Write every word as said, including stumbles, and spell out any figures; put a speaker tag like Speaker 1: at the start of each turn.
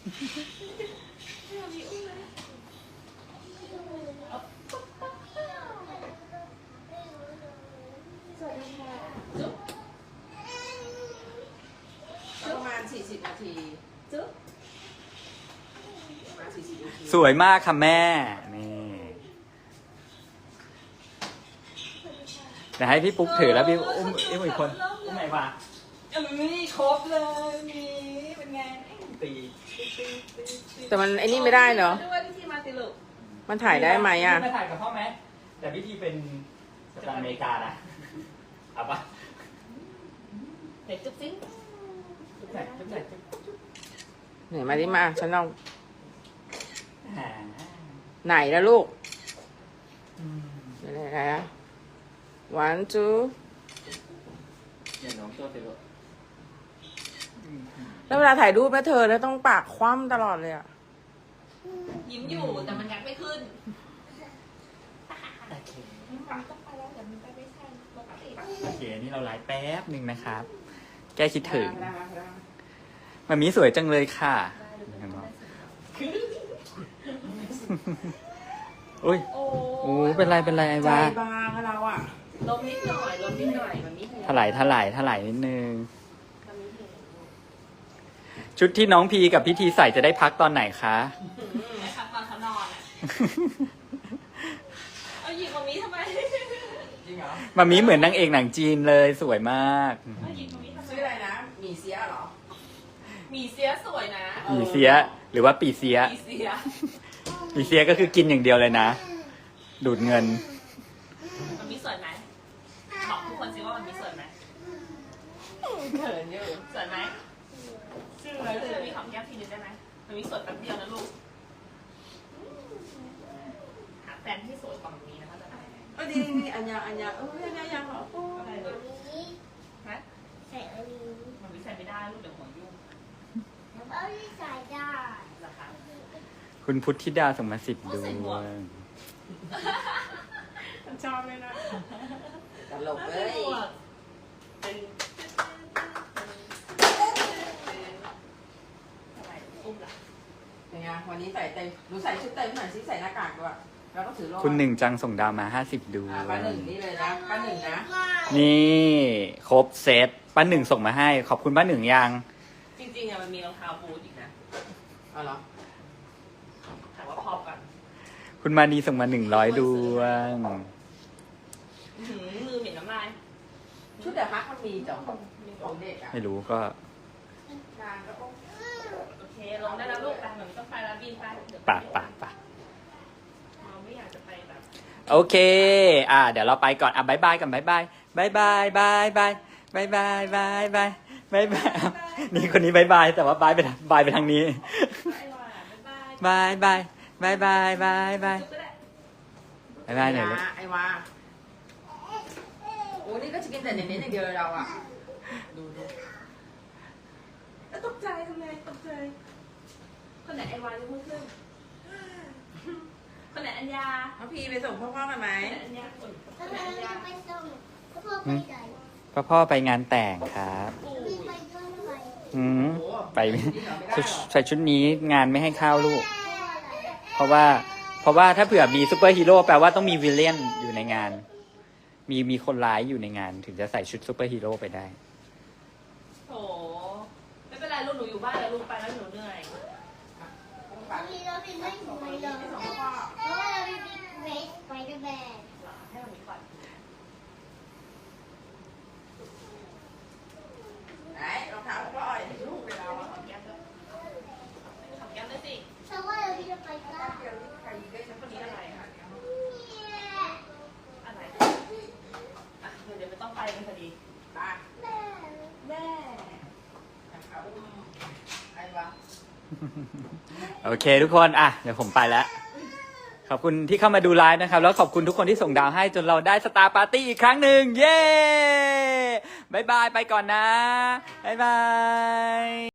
Speaker 1: ประมาณสี่สิบนาทีจุ๊บ
Speaker 2: สวยมากค่ะแม่นี่เดี๋ยวให้พี่ปุ๊กถือแล้วพี่อุ้มอุ้มอีกคนอุ้มไหนวะเออนี่ครบเลยนี่เป็นไงตี
Speaker 1: แต่มันไอ้นี่ไม่ได้เหรอด้วยพิธีมาติลุมันถ่ายได้ไหมอ่ะ
Speaker 2: มาถ่ายกับพ่อไหมแต่พิธีเป็นสตาร์อเมริกานะเอาปะ
Speaker 1: เด็กจุ๊บซิ้ง
Speaker 2: จุ๊บไหนจุ๊บไหนจุ๊บ
Speaker 1: ไหนมาดิมาฉันลอง
Speaker 2: หา
Speaker 1: ไหนแล้วลูกไหนไหนอะ one two
Speaker 2: เดี๋ยวน้องตัวเตลุ
Speaker 1: แล้วเวลาถ่ายรูปนะเธอแล้วต้องปากคว่ำตลอดเลยอ่ะ
Speaker 3: ยิ้มอยู่แต่มันงัดไม่ขึ้น
Speaker 2: โอเค
Speaker 3: มันต้องไปแล้วแต่มันไปไม่ใช่ปกติ
Speaker 2: โอเคนี่เราไลฟ์แป๊บหนึ่งนะครับ แก้คิดถึงมันมีสวยจังเลยค่ะอุ้ยโอ้เป็นไรเป็นไรไอ้
Speaker 1: ใจ
Speaker 2: วา
Speaker 1: บางอะเราอ่ะ
Speaker 3: ลมนิดหน่อยลมนิดหน่อยมันมี
Speaker 2: ถลายถลายถลายนิดนึงชุดที่น้องพีกับพิธีใส่จะได้พักตอนไหนคะ
Speaker 3: ไอ้พักตอนเขานอนอ่ะเอาหยิบตรงนี้ทำไม
Speaker 1: จริงเหรอ
Speaker 2: มามีเหมือนนางเอกหนังจีนเลยสวยมาก
Speaker 3: เอาหยิบตรงนี้ทำไม
Speaker 1: ชื่ออะไรนะหมี่เสียเหรอ
Speaker 3: หมีเสียสวยนะ
Speaker 2: ปีเสียหรือว่าปีเสีย
Speaker 3: หมีเสีย
Speaker 2: ปีเสียก็คือกินอย่างเดียวเลยนะ ดูดเงิน
Speaker 3: มันมีสวยไหมบอกทุกคนสิว่ามันมีสวยไหม
Speaker 1: เขินอยู่
Speaker 3: สวยไหมชื่ออะไรจะมีของแก้มทีนึงได้ไหมมันมีสวยแป๊บเดียวนะลูกหาแฟนที่สวยกว่ามันมีนะคะจะได้
Speaker 1: เออดีดีอันยาอันยาเอออันยายังเหรอโอ้
Speaker 3: อะไรเลยฮะ
Speaker 4: ใส่อันนี้
Speaker 3: มันวิใส่ไม่ได้ลูกเดี๋ยวหัวยุ่ง
Speaker 4: แล้วก็ใส่ได้
Speaker 3: ราคา
Speaker 2: คุณพุทธิดาส่งมาสิบดวง
Speaker 1: ชอบเลยนะตลกเลย
Speaker 3: เป็นอะไรอุ้มล่ะ
Speaker 1: ยังไงวันนี้ใส่เต็มหนูใส่ชุดเต็มหน่อยสิใส่หน้ากากด้วยแล้วก็ถือโล่
Speaker 2: คุณหนึ่งจังส่งดาวมาห้าสิบดว
Speaker 1: อ่าง ป้าหนึ่งนี่เลยนะป้าหนึ่งนะ
Speaker 2: นี่ครบเซตป้าหนึ่งส่งมาให้ ขอบคุณป้าหนึ่งยัง
Speaker 3: จริงๆอะมันมีรองเท้าบูทอีกนะ
Speaker 1: เอาเหรอ
Speaker 3: ถามว่าพอกัน
Speaker 2: คุณมานีส่งมาหนึ่งร้อยดวง
Speaker 3: อื้อหือมือเหม็นน้ำลาย
Speaker 1: ชุดเดอะฮักมันมีจ้ะของเด็กอ่ะ
Speaker 2: ไม่รู้ก็
Speaker 1: งานก็โอ้
Speaker 3: โอเคลงได้แล้วลูกไปเหมือนต้องไปแล้วบินไปเดี๋ยว
Speaker 2: ปะปะปะ
Speaker 3: เราไม่อยากจะไปแบบ
Speaker 2: โอเค อ่า เดี๋ยวเราไปก่อน อ่ะบายบายกันบายบายบายบายบายบายบายบายบายบายบายบายนี่คนนี้บายบาย แต่ว่าบายไปทางบายไปทางนี้
Speaker 3: ไอ้วาบ๊ายบาย
Speaker 2: บายบายบายบายบายบาย
Speaker 3: จุ๊บก็ได้
Speaker 2: บายบายหน่อยลูก
Speaker 1: ไอ้วาโอ้นี่ก็จะกินแต่เน้นๆอย่างเดียวเลยเราอ่ะดูดู
Speaker 3: แล้วตกใจทำไมตกใจคนไหนไอ้วายกมือขึ้นคนไหนอัญญา
Speaker 1: น้องพีไปส่งพ่อๆกันไหม
Speaker 3: คนไหนอัญญาคนค
Speaker 4: แล้ว
Speaker 3: นไหน
Speaker 4: เรา
Speaker 3: อัญญา
Speaker 4: จะไปส่งพ่อไปไหน
Speaker 2: พ่อพ่อไปงานแต่งครับ
Speaker 3: ปู่
Speaker 4: พี่ไปด้วยไหม
Speaker 2: อืม
Speaker 1: โอ้
Speaker 2: ไป
Speaker 1: จริงเหรอไม่ได้หรอ
Speaker 2: ใส่ชุดนี้งานไม่ให้เข้าลูก
Speaker 4: พ่ออะไร
Speaker 2: เพราะว่า เพราะว่าถ้าเผื่อมีซูเปอร์ฮีโร่แปลว่าต้องมีวิลเลียนอยู่ในงาน มีมีคนร้ายอยู่ในงาน ถึงจะใส่ชุดซูเปอร์ฮีโร่ไปได้
Speaker 3: โถไม่เป็นไรลูกหนูอยู่บ้านแล้วลูกไปแล้วหนูเหนื่อย
Speaker 4: พี่เราพี่ไม่สวยเลยเพราะว่าเราพี่เวสไปกับแบน
Speaker 3: ให้มันมีก่อน
Speaker 1: ไหนรองเท้าพ่ออ้อยลูกไปเราอ่ะ
Speaker 3: ขอแก้มด้วยขอแก้มด้วยสิ
Speaker 4: เพราะว่าเราพี่จะไปกับ
Speaker 1: เดี๋ยวนี้ใครได้ฉัน
Speaker 3: คนนี้อะไรอะอะไรอ่ะเดี๋ยวเดี๋ยวไม่ต้องไปกันพอดี
Speaker 1: ตา
Speaker 4: แม่
Speaker 3: แม่
Speaker 1: เอาไอ้วา
Speaker 2: โอเคทุกคน อ่ะ เดี๋ยวผมไปแล้ว ขอบคุณที่เข้ามาดูไลฟ์นะครับ แล้วขอบคุณทุกคนที่ส่งดาวให้จนเราได้สตาร์ปาร์ตี้อีกครั้งหนึ่ง เย้บายบาย ไปก่อนนะบายบาย